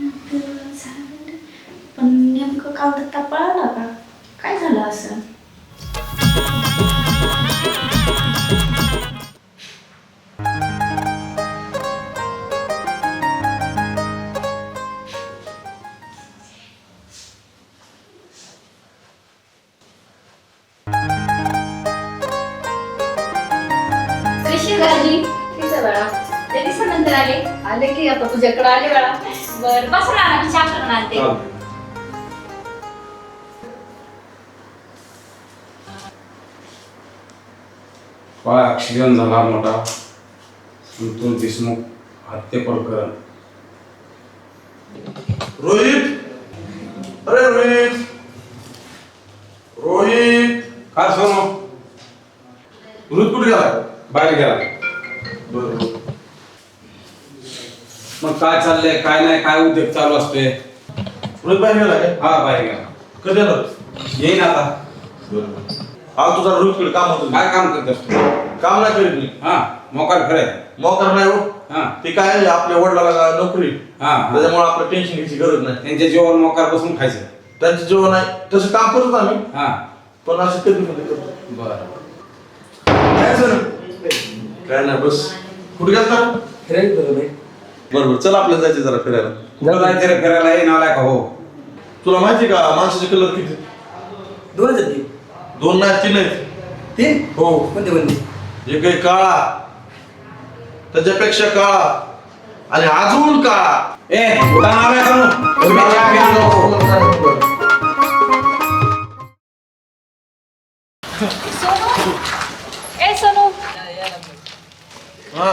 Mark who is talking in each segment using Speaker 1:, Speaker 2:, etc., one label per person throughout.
Speaker 1: पण नेमकं काल दत्ता पळाला का? काय झालं असं?
Speaker 2: ते दिवसानंतर आले की आता तुझ्याकडे आले बाळा. बर बस ना, मी चहा करून आणते.
Speaker 3: ॲक्सिडेंट झाला मोठा. संतोष देशमुख हत्या प्रकरण.
Speaker 4: रोहित, अरे रोहित, रोहित,
Speaker 3: काय सोनो?
Speaker 4: रोहित कुठे गेला?
Speaker 3: बाहेर गेला.
Speaker 4: बरोबर.
Speaker 3: मग काय चाललंय काय नाही, काय उद्योग चालू असतोय?
Speaker 4: रोहित बाहेर गेला काय?
Speaker 3: हा बाहेर गेला.
Speaker 4: कधी येणार?
Speaker 3: येईन आता.
Speaker 4: बरोबर. आज तुझा रोहितकडे काम होतं.
Speaker 3: काय काम करत असतो?
Speaker 4: काम नाही करीत मी.
Speaker 3: हा मोकार खरंय.
Speaker 4: मोकार नाही हो.
Speaker 3: हा
Speaker 4: ते काय आहे, आपल्या वडिलाला नोकरी,
Speaker 3: हा
Speaker 4: त्याच्यामुळे आपलं टेन्शन घ्यायची गरज नाही.
Speaker 3: त्यांच्या जीवावर मोकार बसून खायचं.
Speaker 4: त्यांचं जेवण आहे तसं काम करतो आम्ही,
Speaker 3: हा
Speaker 4: पण असं कधी मध्ये करतो.
Speaker 3: बरं.
Speaker 4: काय सर? काय नाही बस. कुठे गेलता? बरोबर, चल आपल्याला जायचं जरा फिरायला.
Speaker 3: कुठं जायचं रे फिरायला? ये नालाय का हो?
Speaker 4: तुला माहिती का माणसाचे कलर किती? दोन नाही, तीन आहेत.
Speaker 5: तीन?
Speaker 4: हो.
Speaker 5: कोणते?
Speaker 4: एक आहे काळा, त्याच्यापेक्षा काळा, आणि अजून काळा.
Speaker 3: ए कुठं नालाय का नु? तुम्ही चहा घ्या नको.
Speaker 2: सोनू, ए सोनू,
Speaker 4: हा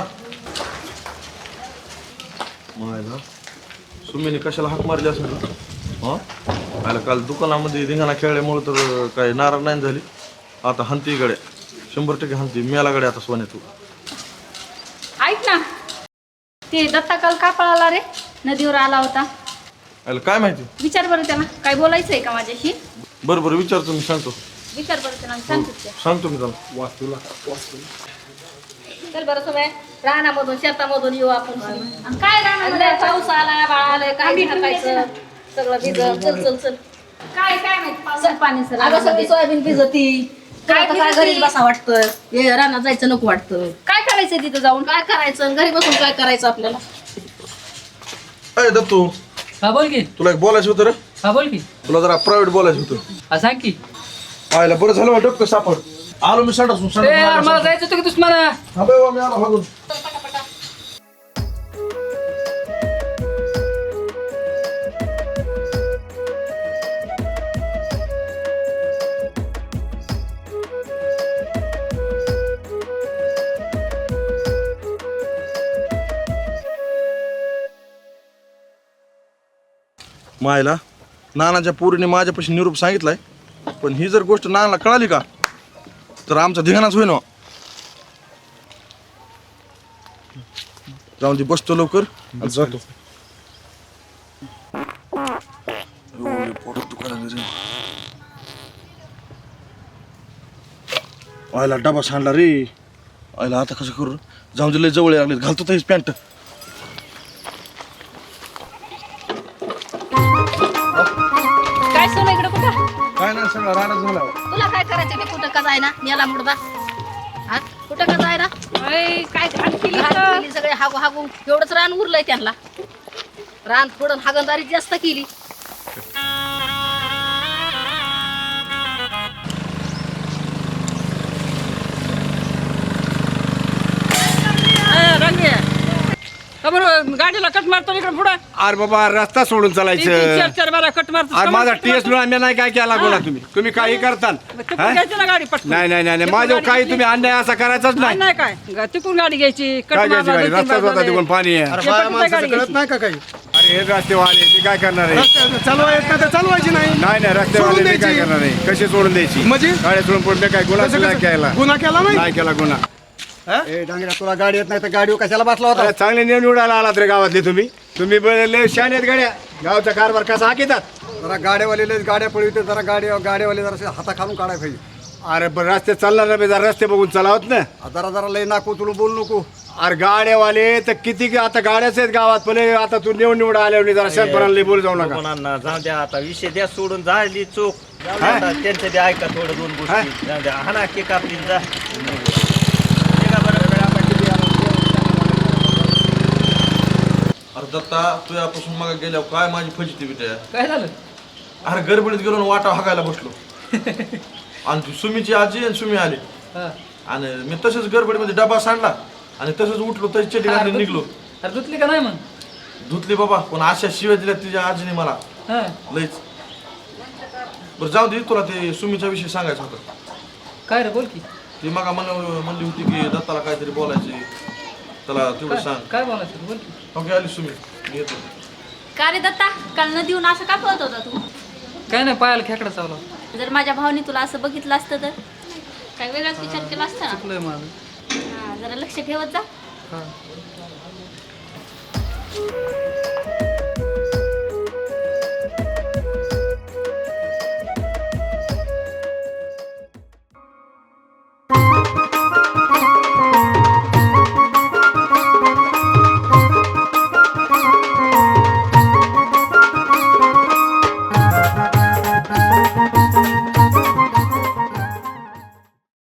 Speaker 4: मायला सुमीने कशाला हाक मारली असेल? हा आयला काल दुकानामध्ये धिंगाणा खेळल्यामुळे तर काही नाराज नाही झाली. आता हंती गड्या 100% हंती मेला गड्या आता सोन्या तू.
Speaker 2: ऐक ना, ते दत्ता काल का पळाला रे? नदीवर आला होता.
Speaker 4: आयला काय माहिती?
Speaker 2: विचार बरं त्याला, काय बोलायचंय का माझ्याशी?
Speaker 4: बरं बरं विचारतो मी, सांगतो.
Speaker 2: विचार बरं त्याला, सांगतो त्या.
Speaker 4: सांगतो मी त्याला.
Speaker 2: चल बरं सोबत रानामधून शेतामधून येऊ आपण. आणि काय रानामध्ये पाऊस आला, बाळा आलाय, काय टाकायचं सगळं भिजत. चल चल चल. काय काय माहित पावसात पाणी सर.
Speaker 6: अगं सगळी सोयाबीन भिजती.
Speaker 2: काय
Speaker 6: काय घरीच बसा वाटतं, हे रानात जायचं नको वाटतं.
Speaker 2: काय करायचंय तिथं जाऊन?
Speaker 6: काय करायचं घरी बसून काय करायचं आपल्याला?
Speaker 4: अरे दत्तू,
Speaker 5: हा बोल की.
Speaker 4: तुला एक बोलायचं होतं रे.
Speaker 5: हा बोल की.
Speaker 4: तुला जरा प्रायव्हेट बोलायचं होतं.
Speaker 5: हा सांग की.
Speaker 4: आयला बरं झालं डॉक्टर सापड. आलो मी संडासून.
Speaker 5: ए यार मला जायचं होतं की दुश्मना.
Speaker 4: हा बाबा मी आलो भागून. मायला नानाच्या पोरीने माझ्यापाशी निरोप सांगितलाय, पण ही जर गोष्ट नानाला कळाली का तर आमचा धिंगाणाच होईन. जाऊन ती बसतो लवकर आणि जातो. आयला डबा सांडला रे. आयला आता कसं करू? जाऊन दिले जवळ लागले, घालतो तरीच पॅन्ट.
Speaker 6: काय सोनं इकडे कुठं?
Speaker 4: काय नाही सगळं राडा झाला.
Speaker 6: तुला काय करायचं ते कुठं का जायना? मेला मुडदा. हा कुठं का जायना?
Speaker 2: काय घाण केली
Speaker 6: घाण
Speaker 2: तर?
Speaker 6: केली सगळे हागू हागू. एवढंच रान उरलंय त्यांना. रान फोडून हागणदारी जास्त केली.
Speaker 5: गाडीला कट मारतो इकडे पुढे.
Speaker 7: अरे बाबा रस्ता सोडून चालायचं.
Speaker 5: चार चार बारा कट मारतो.
Speaker 7: अरे माझा टीएस आम्ही नाही काय केला बोला तुम्ही काही करता.
Speaker 5: घ्यायची ना गाडी पटकन.
Speaker 7: नाही नाही नाही माझ्या काही तुम्ही अन्याय असा करायचाच नाही.
Speaker 5: नाही काय तिकून गाडी घ्यायची. कट
Speaker 7: काय घ्यायची गाडी?
Speaker 5: मारला,
Speaker 7: रस्ता होता तिकडून पाणी आहे.
Speaker 5: हे पटकन गाडी घ्यायची.
Speaker 4: नाही का काही?
Speaker 7: अरे हे रस्तेवाले मी काय करणार आहे?
Speaker 4: चालवायची नाही.
Speaker 7: नाही नाही रस्तेवाले मी काय करणार आहे? कशी सोडून द्यायची?
Speaker 4: म्हणजे?
Speaker 7: गाडी सोडून पुढे काय गुन्हा नाही केला.
Speaker 4: गुन्हा केला
Speaker 7: नाही केला गुन्हा.
Speaker 8: डांगऱ्या तुला गाडी येत नाही तर गाडीवर कशाला बसला होता?
Speaker 7: अरे चांगले निवडायला आलात रे गावातले तुम्ही. तुम्ही लय शान आहेत गाड्या. गावचा कारभार कसा हाकितात?
Speaker 8: जरा गाड्यावाले गाड्या पळविते, जरा गाड्यावाले जरा हाता खालून काढाय पाहिजे.
Speaker 7: अरे पण रस्ते चालणार नाही, जरा रस्ते बघून चालावत ना.
Speaker 8: जरा जरा लय नाको तुला बोलू नको.
Speaker 7: अरे गाड्यावाले तर किती आता गाड्याच आहेत गावात पण हे आता तू निवड आल्यावर जरा शंभराला बोल जाऊ नका
Speaker 9: कोणांना जाऊ द्या आता विषय द्या सोडून झाली चोख जाऊ द्या आता, त्यांचं बी ऐका थोडं दोन गोष्टी जाऊ द्या हाना केक आपली जा निघा बरं.
Speaker 4: अरे दत्ता तुझ्यापासून मग गेल्यावर काय माझी फजिती बिटे
Speaker 5: काय झालं
Speaker 4: अरे गडबडीत गेलो आणि वाटा हाकायला बसलो आणि ती सुमीची आजी आणि सुमी आली
Speaker 5: हा.
Speaker 4: आणि मी तसंच गडबडीमध्ये डबा सांडला आणि तसंच उठलो तशी चटी घालून निघलो.
Speaker 5: अरे धुतली का नाही मग
Speaker 4: धुतली बाबा पण अशा शिव्या दिल्या तिच्या आजीने मला
Speaker 5: हा
Speaker 4: लईच. बरं जाऊ दे तुला ते सुमीचा विषय सांगायचा होता.
Speaker 5: काय रे बोल की
Speaker 4: ती मग म्हणली होती की दत्ताला काहीतरी बोलायचे त्याला तेवढं सांग.
Speaker 5: काय बोलायचं तू बोल की
Speaker 4: ओके आली सुमी मी येतो.
Speaker 1: का रे दत्ता काल नदीहून असं का पळत होता तू
Speaker 5: काय नाही पायाला खेकडा चावला
Speaker 1: जर माझ्या भावाने तुला असं बघितलं असतं तर काय वेगळाच विचार केला असता ना
Speaker 5: चुकलंय माझं
Speaker 1: हा, जरा लक्ष ठेवत जा
Speaker 5: हा